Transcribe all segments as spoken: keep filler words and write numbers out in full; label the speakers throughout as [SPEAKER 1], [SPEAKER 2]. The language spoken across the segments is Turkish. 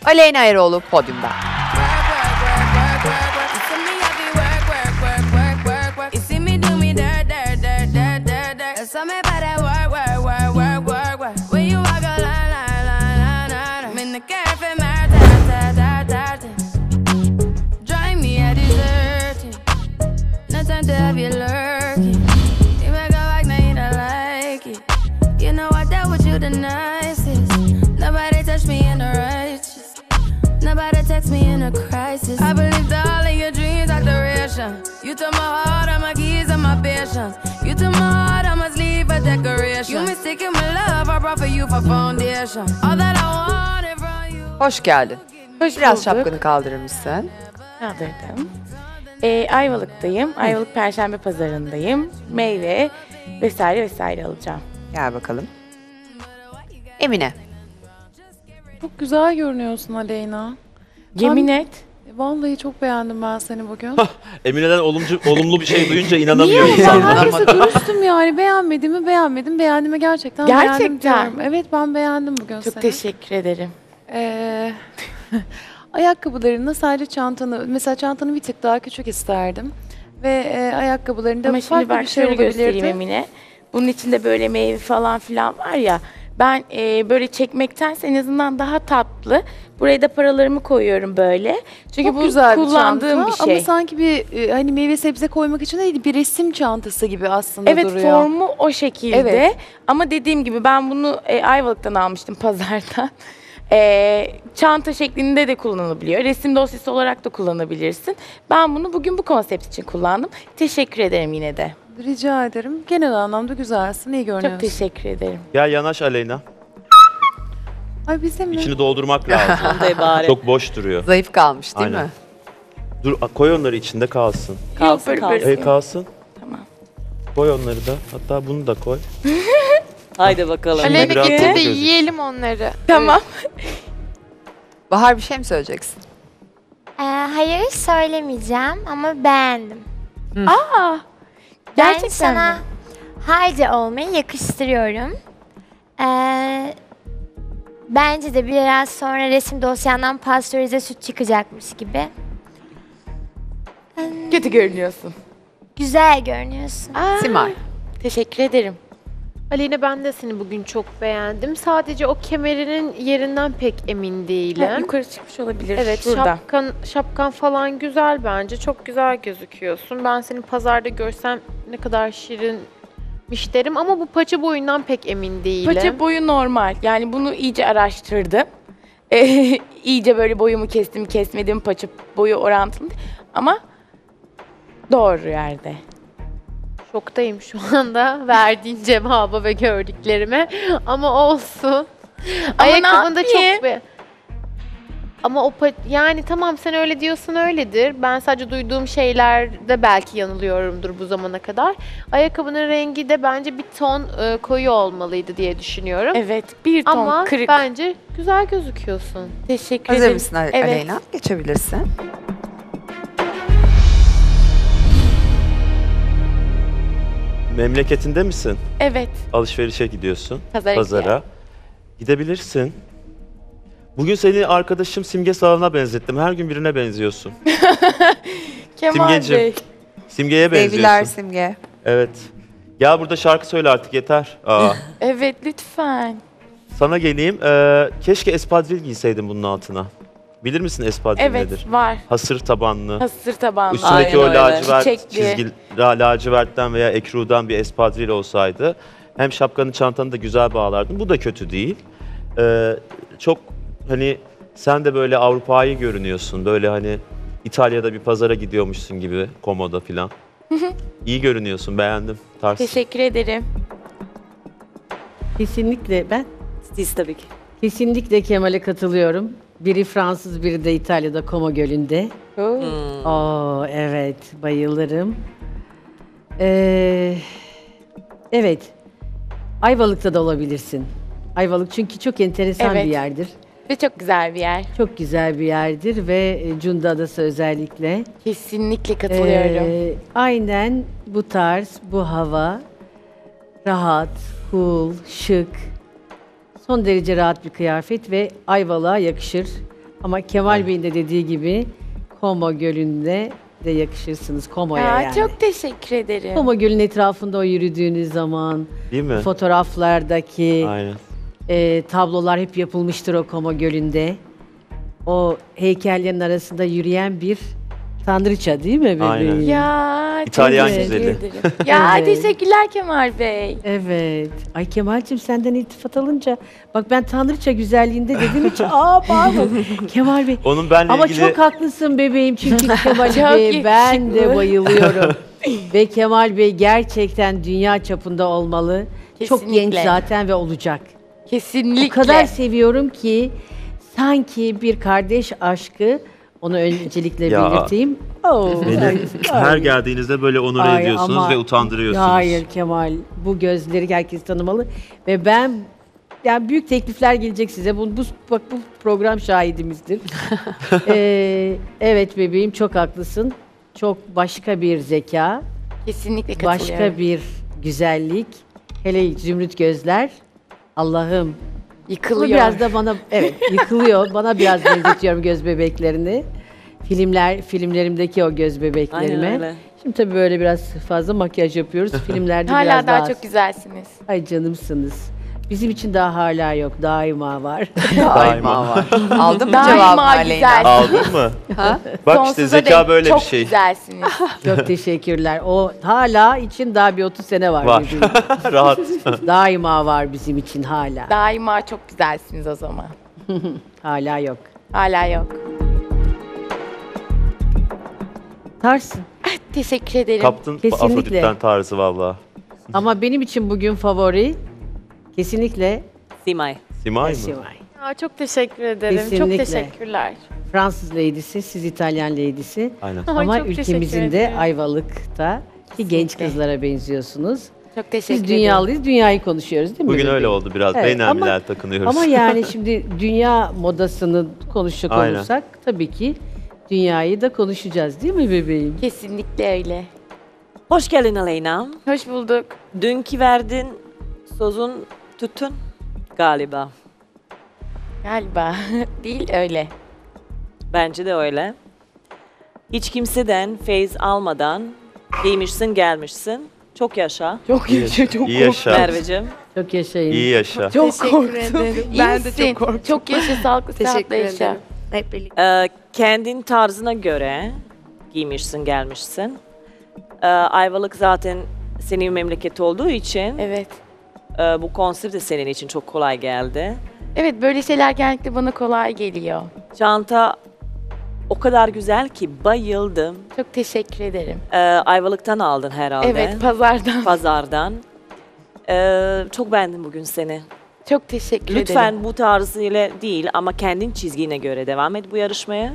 [SPEAKER 1] Aleyna Eroğlu podyumda.
[SPEAKER 2] I believed all of your dreams are duration. You took my heart, all my keys, and my patience. You took my heart, I must leave a decoration. You mistaken my love, I brought for you for foundation. All that I wanted from you.
[SPEAKER 1] Hoş geldin.
[SPEAKER 3] Hoş
[SPEAKER 1] Biraz
[SPEAKER 3] bulduk.
[SPEAKER 1] şapkanı kaldırır mısın?
[SPEAKER 3] Kaldırdım. Ee, Ayvalık'tayım. Ayvalık Perşembe Pazarı'ndayım. Meyve vesaire vesaire alacağım.
[SPEAKER 1] Gel bakalım. Emine.
[SPEAKER 4] Çok güzel görünüyorsun Aleyna.
[SPEAKER 3] Yemin et.
[SPEAKER 4] Vallahi çok beğendim ben seni bugün.
[SPEAKER 5] Emine'den olumcu, olumlu bir şey duyunca inanamıyor
[SPEAKER 4] Niye? Ben
[SPEAKER 5] insanlar.
[SPEAKER 4] herkese dürüstüm yani. Beğenmediğimi beğenmedim. Beğendiğimi gerçekten beğendim
[SPEAKER 3] Gerçekten.
[SPEAKER 4] diyorum. Evet ben beğendim bugün
[SPEAKER 3] Çok
[SPEAKER 4] seni.
[SPEAKER 3] teşekkür ederim.
[SPEAKER 4] Ee, ayakkabılarını sadece çantanı, mesela çantanı bir tık daha küçük isterdim. Ve e, ayakkabılarında
[SPEAKER 3] Ama şimdi
[SPEAKER 4] farklı
[SPEAKER 3] bak
[SPEAKER 4] bir şey
[SPEAKER 3] şöyle göstereyim
[SPEAKER 4] olabilirdi.
[SPEAKER 3] Emine. Bunun içinde böyle meyve falan filan var ya. Ben e, böyle çekmektense en azından daha tatlı. Buraya da paralarımı koyuyorum böyle. Çünkü
[SPEAKER 4] Çok
[SPEAKER 3] bu
[SPEAKER 4] güzel
[SPEAKER 3] kullandığım
[SPEAKER 4] bir,
[SPEAKER 3] bir
[SPEAKER 4] çanta,
[SPEAKER 3] şey.
[SPEAKER 4] Ama sanki bir e, hani meyve sebze koymak için değil, bir resim çantası gibi aslında
[SPEAKER 3] Evet,
[SPEAKER 4] duruyor.
[SPEAKER 3] formu o şekilde.
[SPEAKER 4] Evet.
[SPEAKER 3] Ama dediğim gibi ben bunu e, Ayvalık'tan almıştım pazardan. E, çanta şeklinde de kullanılabiliyor. Resim dosyası olarak da kullanabilirsin. Ben bunu bugün bu konsept için kullandım. Teşekkür ederim yine de.
[SPEAKER 4] Rica ederim. Genel anlamda güzelsin, iyi görünüyorsun.
[SPEAKER 3] Çok teşekkür ederim.
[SPEAKER 5] Gel yanaş Aleyna.
[SPEAKER 4] Ay bizim mi?
[SPEAKER 5] İçini doldurmak lazım. Çok boş duruyor.
[SPEAKER 1] Zayıf kalmış değil
[SPEAKER 5] Aynen.
[SPEAKER 1] mi?
[SPEAKER 5] Dur koy onları içinde kalsın.
[SPEAKER 3] Kalsın, Yok, böyle,
[SPEAKER 5] E kalsın.
[SPEAKER 3] Tamam.
[SPEAKER 5] Koy onları da. Hatta bunu da koy.
[SPEAKER 6] Haydi bakalım.
[SPEAKER 5] Şimdi
[SPEAKER 7] Aleyna
[SPEAKER 5] biraz
[SPEAKER 7] getir de
[SPEAKER 5] gözük-
[SPEAKER 7] yiyelim onları.
[SPEAKER 3] Tamam.
[SPEAKER 1] Bahar bir şey mi söyleyeceksin?
[SPEAKER 8] Ee, hayır söylemeyeceğim ama beğendim.
[SPEAKER 3] Aa,
[SPEAKER 8] Ben
[SPEAKER 3] gerçekten
[SPEAKER 8] sana
[SPEAKER 3] mi?
[SPEAKER 8] haydi olmayı yakıştırıyorum. Ee, bence de biraz sonra resim dosyandan pastörize süt çıkacakmış gibi. Hmm,
[SPEAKER 3] Kötü görünüyorsun.
[SPEAKER 8] güzel görünüyorsun.
[SPEAKER 3] Aa,
[SPEAKER 1] Simay.
[SPEAKER 3] Teşekkür ederim.
[SPEAKER 7] Aleyna ben de seni bugün çok beğendim. Sadece o kemerinin yerinden pek emin değilim.
[SPEAKER 3] Ha, yukarı çıkmış olabilir.
[SPEAKER 7] Evet,
[SPEAKER 3] Şurada.
[SPEAKER 7] şapkan şapkan falan güzel bence. Çok güzel gözüküyorsun. Ben seni pazarda görsem ne kadar şirinmiş derim ama bu paça boyundan pek emin değilim.
[SPEAKER 3] Paça boyu normal. Yani bunu iyice araştırdım. Ee, iyice böyle boyumu kestim, kesmedim, paça boyu orantılı. Ama doğru yerde.
[SPEAKER 7] Şoktayım şu anda verdiğin cevaba ve gördüklerime. Ama olsun. Ayakkabında
[SPEAKER 3] ne yapayım?
[SPEAKER 7] çok be. Ama o pa- yani tamam sen öyle diyorsun öyledir. Ben sadece duyduğum şeylerde belki yanılıyorumdur bu zamana kadar. Ayakkabının rengi de bence bir ton e, koyu olmalıydı diye düşünüyorum.
[SPEAKER 3] Evet, bir ton
[SPEAKER 7] Ama
[SPEAKER 3] kırık.
[SPEAKER 7] bence güzel gözüküyorsun.
[SPEAKER 3] Teşekkür
[SPEAKER 1] Hazır
[SPEAKER 3] ederim.
[SPEAKER 1] mısın Ale-
[SPEAKER 3] Evet.
[SPEAKER 1] Aleyna? Geçebilirsin.
[SPEAKER 5] Memleketinde misin?
[SPEAKER 3] Evet.
[SPEAKER 5] Alışverişe gidiyorsun.
[SPEAKER 3] Pazara
[SPEAKER 5] Pazara.
[SPEAKER 3] gidiyorum.
[SPEAKER 5] Gidebilirsin. Bugün seni arkadaşım Simge Sağlam'a benzettim. Her gün birine benziyorsun.
[SPEAKER 3] Kemal
[SPEAKER 5] Simgeciğim.
[SPEAKER 3] Bey.
[SPEAKER 5] Simge'ye benziyorsun.
[SPEAKER 1] Sevgiler Simge.
[SPEAKER 5] Evet. Gel burada şarkı söyle artık yeter. Aa.
[SPEAKER 3] Evet, lütfen.
[SPEAKER 5] Sana geleyim. Ee, keşke espadril giyseydin bunun altına. Bilir misin espadril
[SPEAKER 3] Evet,
[SPEAKER 5] nedir?
[SPEAKER 3] var.
[SPEAKER 5] Hasır tabanlı.
[SPEAKER 3] Hasır tabanlı.
[SPEAKER 5] Üstündeki
[SPEAKER 6] Aynen
[SPEAKER 5] o
[SPEAKER 6] öyle.
[SPEAKER 5] lacivert
[SPEAKER 3] Çiçekli.
[SPEAKER 5] çizgi la- lacivertten veya ekrudan bir espadril olsaydı hem şapkanı çantanı da güzel bağlardın. Bu da kötü değil. Ee, çok hani sen de böyle Avrupa'yı görünüyorsun. Böyle hani İtalya'da bir pazara gidiyormuşsun gibi Komo'da filan. İyi görünüyorsun, beğendim. Tarz.
[SPEAKER 3] Teşekkür ederim.
[SPEAKER 6] Kesinlikle ben
[SPEAKER 9] Siz tabii ki.
[SPEAKER 6] kesinlikle Kemal'e katılıyorum. Biri Fransız, biri de İtalya'da Como Gölü'nde.
[SPEAKER 3] Oo.
[SPEAKER 6] Oo evet, bayılırım. Ee, evet, Ayvalık'ta da olabilirsin. Ayvalık çünkü çok enteresan
[SPEAKER 3] Evet.
[SPEAKER 6] bir yerdir.
[SPEAKER 3] Ve çok güzel bir yer.
[SPEAKER 6] Çok güzel bir yerdir ve e, Cunda Adası özellikle.
[SPEAKER 3] Kesinlikle katılıyorum.
[SPEAKER 6] Ee, aynen bu tarz, bu hava, rahat, cool, şık, son derece rahat bir kıyafet ve Ayvalık'a yakışır. Ama Kemal Bey'in de dediği gibi Como Gölü'nde de yakışırsınız Como'ya
[SPEAKER 3] Aa,
[SPEAKER 6] yani.
[SPEAKER 3] Çok teşekkür ederim.
[SPEAKER 6] Como Gölü'nün etrafında o yürüdüğünüz zaman
[SPEAKER 5] Değil mi?
[SPEAKER 6] fotoğraflardaki
[SPEAKER 5] Aynen.
[SPEAKER 6] e, tablolar hep yapılmıştır o Como Gölü'nde. O heykellerin arasında yürüyen bir tanrıça değil mi bebeğim?
[SPEAKER 5] Aynen.
[SPEAKER 3] Ya
[SPEAKER 5] İtalyan
[SPEAKER 3] teşekkür
[SPEAKER 5] güzeli.
[SPEAKER 3] ederim. Ya
[SPEAKER 6] Evet.
[SPEAKER 3] teşekkürler Kemal Bey.
[SPEAKER 6] Evet. Ay Kemal'cim senden iltifat alınca bak ben tanrıça güzelliğinde dedim hiç aa pardon Kemal Bey.
[SPEAKER 5] Onun benle
[SPEAKER 6] Ama
[SPEAKER 5] ilgili
[SPEAKER 6] çok haklısın bebeğim çünkü Kemal
[SPEAKER 3] Çok
[SPEAKER 6] Bey'e ben de
[SPEAKER 3] yakışıklı.
[SPEAKER 6] bayılıyorum. Ve Kemal Bey gerçekten dünya çapında olmalı. Çok genç
[SPEAKER 3] Kesinlikle.
[SPEAKER 6] zaten ve olacak.
[SPEAKER 3] Kesinlikle.
[SPEAKER 6] O kadar seviyorum ki sanki bir kardeş aşkı onu öncelikle
[SPEAKER 5] Ya.
[SPEAKER 6] belirteyim. Oo,
[SPEAKER 5] beni
[SPEAKER 6] ay,
[SPEAKER 5] her
[SPEAKER 6] ay.
[SPEAKER 5] geldiğinizde böyle onur
[SPEAKER 6] Ay,
[SPEAKER 5] ediyorsunuz
[SPEAKER 6] ama-
[SPEAKER 5] ve utandırıyorsunuz.
[SPEAKER 6] Ya hayır Kemal, bu gözleri herkes tanımalı ve ben yani büyük teklifler gelecek size. Bu, bu bak bu program şahidimizdir. Ee, evet bebeğim çok haklısın. Çok başka bir zeka,
[SPEAKER 3] Kesinlikle katılıyorum.
[SPEAKER 6] başka bir güzellik. Hele zümrüt gözler. Allah'ım. Bunu
[SPEAKER 3] Yıkılıyor.
[SPEAKER 6] biraz da bana evet yıkılıyor. Bana biraz benzetiyorum göz bebeklerini. Filmler filmlerimdeki o göz bebeklerime.
[SPEAKER 9] Aynen öyle.
[SPEAKER 6] Şimdi tabii böyle biraz fazla makyaj yapıyoruz. Filmlerde
[SPEAKER 3] Hala
[SPEAKER 6] biraz
[SPEAKER 3] daha
[SPEAKER 6] daha
[SPEAKER 3] çok güzelsiniz.
[SPEAKER 6] Ay canımsınız. Bizim için daha hala yok. Daima var.
[SPEAKER 1] Daima var. Aldın mı cevabını
[SPEAKER 3] Daima
[SPEAKER 1] Aleyna?
[SPEAKER 3] güzel.
[SPEAKER 5] Aldın mı?
[SPEAKER 1] Ha?
[SPEAKER 5] Bak işte
[SPEAKER 3] Sonsuza
[SPEAKER 5] zeka
[SPEAKER 3] dek
[SPEAKER 5] böyle
[SPEAKER 3] çok
[SPEAKER 5] bir şey.
[SPEAKER 3] güzelsiniz.
[SPEAKER 6] Çok teşekkürler. O hala için daha bir otuz sene var.
[SPEAKER 5] Var.
[SPEAKER 6] bizim.
[SPEAKER 5] Rahat.
[SPEAKER 6] Daima var bizim için hala.
[SPEAKER 3] Daima çok güzelsiniz o zaman.
[SPEAKER 6] Hala yok.
[SPEAKER 3] Hala yok.
[SPEAKER 6] Tarsın.
[SPEAKER 3] Teşekkür ederim.
[SPEAKER 5] Kaptın
[SPEAKER 6] Kesinlikle.
[SPEAKER 5] Afrodit'ten tarzı valla.
[SPEAKER 6] Ama benim için bugün favori kesinlikle
[SPEAKER 9] Simay.
[SPEAKER 5] Simay mı?
[SPEAKER 6] Simay.
[SPEAKER 7] Aa, çok teşekkür ederim.
[SPEAKER 6] Kesinlikle.
[SPEAKER 7] Çok teşekkürler.
[SPEAKER 6] Fransız lady'si, siz İtalyan lady'si.
[SPEAKER 5] Aynen.
[SPEAKER 7] Ay,
[SPEAKER 6] Ama
[SPEAKER 7] çok
[SPEAKER 6] ülkemizin
[SPEAKER 7] teşekkür
[SPEAKER 6] de
[SPEAKER 7] ederim.
[SPEAKER 6] Ayvalık'ta ki genç kızlara benziyorsunuz.
[SPEAKER 3] Çok teşekkür
[SPEAKER 6] Biz
[SPEAKER 3] ederim.
[SPEAKER 6] dünyalıyız, dünyayı konuşuyoruz değil mi?
[SPEAKER 5] Bugün
[SPEAKER 6] bebeğim?
[SPEAKER 5] öyle oldu biraz.
[SPEAKER 6] Evet,
[SPEAKER 5] Beynelmiler
[SPEAKER 6] ama-
[SPEAKER 5] takınıyoruz.
[SPEAKER 6] Ama yani şimdi dünya modasını konuşacak
[SPEAKER 5] Aynen.
[SPEAKER 6] olursak tabii ki dünyayı da konuşacağız değil mi bebeğim?
[SPEAKER 3] Kesinlikle öyle.
[SPEAKER 9] Hoş geldin Aleyna.
[SPEAKER 3] Hoş bulduk.
[SPEAKER 9] Dünkü verdin sözün tuttun galiba.
[SPEAKER 3] Galiba. Değil öyle.
[SPEAKER 9] Bence de öyle. Hiç kimseden feyz almadan giymişsin gelmişsin. Çok yaşa
[SPEAKER 3] Çok
[SPEAKER 5] İyi
[SPEAKER 3] yaşa, çok
[SPEAKER 5] İyi yaşa.
[SPEAKER 9] Merveciğim.
[SPEAKER 6] Çok yaşayın.
[SPEAKER 5] İyi yaşa.
[SPEAKER 3] Çok
[SPEAKER 7] Teşekkür
[SPEAKER 3] korktum.
[SPEAKER 7] ederim.
[SPEAKER 3] İyi
[SPEAKER 7] Ben de
[SPEAKER 3] misin?
[SPEAKER 7] çok korktum.
[SPEAKER 3] Çok yaşa, sağlıklı, sıhhatle
[SPEAKER 7] Teşekkür
[SPEAKER 3] yaşa.
[SPEAKER 7] ederim. Hep birlikte.
[SPEAKER 9] Ee, kendin tarzına göre giymişsin gelmişsin. Ee, Ayvalık zaten senin memleket olduğu için
[SPEAKER 3] Evet.
[SPEAKER 9] e, bu konsept de senin için çok kolay geldi.
[SPEAKER 3] Evet, böyle şeyler genellikle bana kolay geliyor.
[SPEAKER 9] Çanta o kadar güzel ki bayıldım.
[SPEAKER 3] Çok teşekkür ederim.
[SPEAKER 9] Ee, Ayvalık'tan aldın herhalde.
[SPEAKER 3] Evet, pazardan.
[SPEAKER 9] Pazardan. Ee, çok beğendim bugün seni.
[SPEAKER 3] Çok teşekkür
[SPEAKER 9] Lütfen
[SPEAKER 3] ederim.
[SPEAKER 9] bu tarzıyla değil ama kendin çizgine göre devam et bu yarışmaya.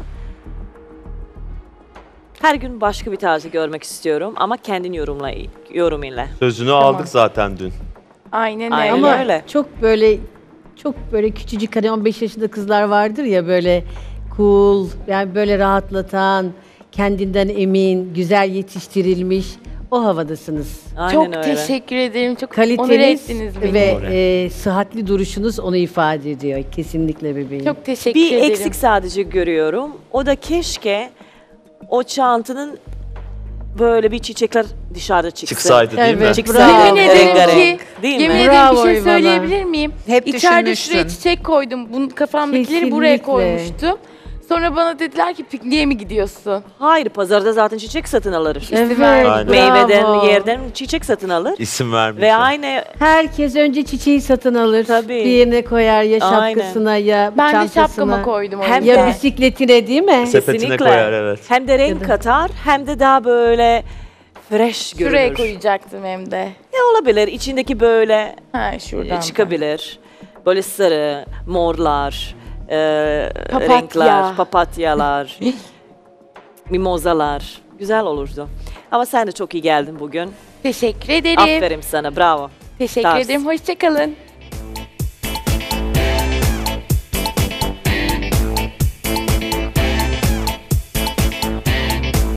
[SPEAKER 9] Her gün başka bir tarzı görmek istiyorum ama kendin yorumla, yorumuyla.
[SPEAKER 5] Sözünü aldık zaten dün.
[SPEAKER 3] Aynen
[SPEAKER 9] Aynen
[SPEAKER 3] öyle.
[SPEAKER 6] Ama
[SPEAKER 9] öyle.
[SPEAKER 6] çok böyle çok böyle küçücük hani on beş yaşında kızlar vardır ya böyle cool yani böyle rahatlatan, kendinden emin, güzel yetiştirilmiş o havadasınız.
[SPEAKER 9] Aynen
[SPEAKER 3] Çok
[SPEAKER 9] öyle.
[SPEAKER 3] teşekkür ederim. Çok onur
[SPEAKER 6] Kaliteniz
[SPEAKER 3] ettiniz beni.
[SPEAKER 6] ve e, sıhhatli duruşunuz onu ifade ediyor. Kesinlikle bebeğim.
[SPEAKER 3] Çok teşekkür
[SPEAKER 9] Bir
[SPEAKER 3] ederim.
[SPEAKER 9] eksik sadece görüyorum. O da keşke o çantanın böyle bir çiçekler dışarıda çıksın.
[SPEAKER 5] Çıksaydı değil mi?
[SPEAKER 6] Evet.
[SPEAKER 9] Çıksaydı.
[SPEAKER 6] Bravo.
[SPEAKER 3] Yemin ederim
[SPEAKER 9] rengarenk.
[SPEAKER 3] ki,
[SPEAKER 9] Değil
[SPEAKER 3] yemin
[SPEAKER 9] mi?
[SPEAKER 3] ederim
[SPEAKER 6] Bravo
[SPEAKER 3] bir şey
[SPEAKER 6] Ivana.
[SPEAKER 3] söyleyebilir miyim?
[SPEAKER 1] Hep
[SPEAKER 3] İçeride
[SPEAKER 1] düşünmüşsün.
[SPEAKER 3] şuraya çiçek koydum. Bunun kafamdakileri buraya
[SPEAKER 6] Kesinlikle.
[SPEAKER 3] koymuştum. Sonra bana dediler ki pikniğe mi gidiyorsun?
[SPEAKER 9] Hayır, pazarda zaten çiçek satın alır.
[SPEAKER 6] Evet,
[SPEAKER 5] Aynen.
[SPEAKER 9] Meyveden,
[SPEAKER 6] bravo.
[SPEAKER 9] yerden çiçek satın alır.
[SPEAKER 5] İsim
[SPEAKER 9] Ve
[SPEAKER 5] vermeyeceğim.
[SPEAKER 9] aynı
[SPEAKER 6] Herkes önce çiçeği satın alır.
[SPEAKER 9] Tabii.
[SPEAKER 6] Bir yerine koyar ya
[SPEAKER 9] Aynen.
[SPEAKER 6] şapkasına ya
[SPEAKER 3] Ben de
[SPEAKER 6] çantasına.
[SPEAKER 3] şapkama koydum. o
[SPEAKER 9] Hem
[SPEAKER 3] yüzden.
[SPEAKER 6] Ya bisikletine değil mi?
[SPEAKER 5] Sepetine
[SPEAKER 9] kesinlikle
[SPEAKER 5] koyar evet.
[SPEAKER 9] hem de renk katar hem de daha böyle fresh görünür.
[SPEAKER 3] Şuraya koyacaktım hem de.
[SPEAKER 9] Ne olabilir? İçindeki böyle
[SPEAKER 3] Ha şuradan. da.
[SPEAKER 9] çıkabilir. Böyle sarı, morlar, e,
[SPEAKER 3] Papatya.
[SPEAKER 9] renkler, papatyalar, mimozalar. Güzel olurdu. Ama sen de çok iyi geldin bugün.
[SPEAKER 3] Teşekkür ederim.
[SPEAKER 9] Aferin sana, bravo.
[SPEAKER 3] Teşekkür
[SPEAKER 9] Tars.
[SPEAKER 3] ederim. Hoşçakalın.